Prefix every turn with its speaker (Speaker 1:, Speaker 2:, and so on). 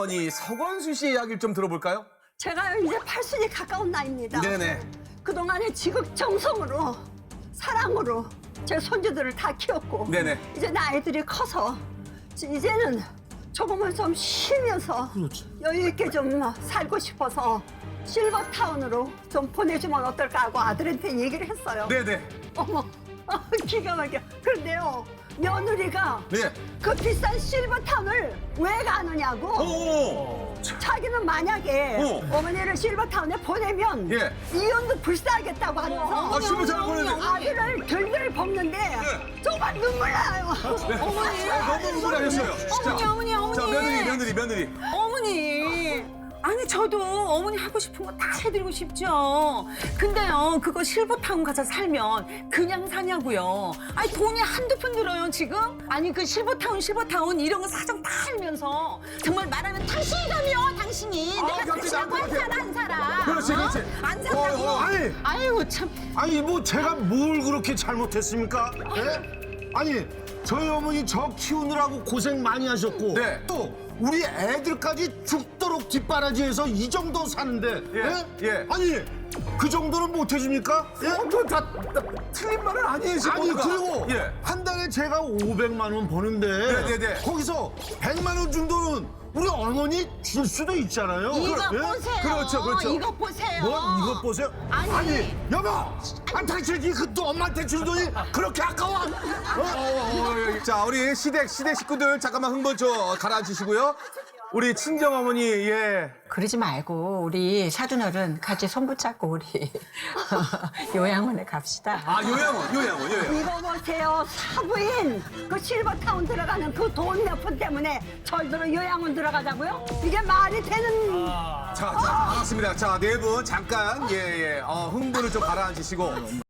Speaker 1: 어머니 서건수 씨의 이야기를 좀 들어볼까요?
Speaker 2: 제가 이제 80이 가까운 나이입니다.
Speaker 1: 네네.
Speaker 2: 그동안에 지극정성으로 사랑으로 제 손주들을 다 키웠고
Speaker 1: 네네.
Speaker 2: 이제 나이들이 커서 이제는 조금은 좀 쉬면서 여유 있게 좀 살고 싶어서 실버타운으로 좀 보내주면 어떨까 하고 아들한테 얘기를 했어요.
Speaker 1: 네네.
Speaker 2: 어머, 기가 막혀. 그런데요, 며느리가
Speaker 1: 네.
Speaker 2: 그 비싼 실버타운을 왜 가느냐고.
Speaker 1: 오.
Speaker 2: 자기는 만약에 어머니를 실버타운에 보내면
Speaker 1: 예.
Speaker 2: 이혼도 불사하겠다고 하면서
Speaker 1: 실버타운 보내면
Speaker 2: 아들을 들들 볶는데 정말 눈물 나요.
Speaker 1: 어머니. 너무 흥분하셨어요.
Speaker 3: 어머니.
Speaker 1: 자, 며느리.
Speaker 3: 어머니. 아니 저도 어머니 하고 싶은 거 다 해드리고 싶죠. 근데요 그거 실버타운 가서 살면 그냥 사냐고요. 아니 돈이 한두 푼 들어요 지금? 아니 그 실버타운 이런 거 사정 다 알면서 정말 말하면 당신이라며 당신이 내가 당신하고 안 살아 안 살아.
Speaker 1: 그렇지.
Speaker 3: 안 산다고.
Speaker 4: 아니,
Speaker 3: 아이고 참.
Speaker 4: 아니 뭐 제가 뭘 그렇게 잘못했습니까? 예? 아니 저희 어머니 저 키우느라고 고생 많이 하셨고
Speaker 1: 네.
Speaker 4: 또 우리 애들까지 죽도록 뒷바라지해서 이 정도 사는데
Speaker 1: 예.
Speaker 4: 아니 그 정도는 못 해줍니까? 예?
Speaker 1: 다 틀린 말은 아니에요, 지금.
Speaker 4: 아니 그리고
Speaker 1: 예.
Speaker 4: 한 달에 제가 500만 원 버는데
Speaker 1: 네네네.
Speaker 4: 거기서 100만 원 정도는 우리 어머니 줄 수도 있잖아요.
Speaker 3: 이거
Speaker 4: 예?
Speaker 3: 보세요.
Speaker 1: 그렇죠.
Speaker 3: 이거 보세요.
Speaker 4: 뭐 이것 보세요.
Speaker 3: 아니.
Speaker 4: 여보, 당신이 그또 엄마한테 준 돈이 그렇게 아까워?
Speaker 1: 자, 우리 시댁 식구들 잠깐만 흥분 좀 가라앉히시고요. 우리 친정 어머니, 예.
Speaker 5: 그러지 말고 우리 사돈어른 같이 손 붙잡고 우리 요양원에 갑시다.
Speaker 1: 아, 요양원.
Speaker 2: 이거 보세요, 사부인 그 실버타운 들어가는 그 돈 몇 푼 때문에 저희들은 요양원 들어가자고요? 이게 말이 되는.
Speaker 1: 자, 알았습니다. 자, 네 분 잠깐, 흥분을 좀 가라앉히시고.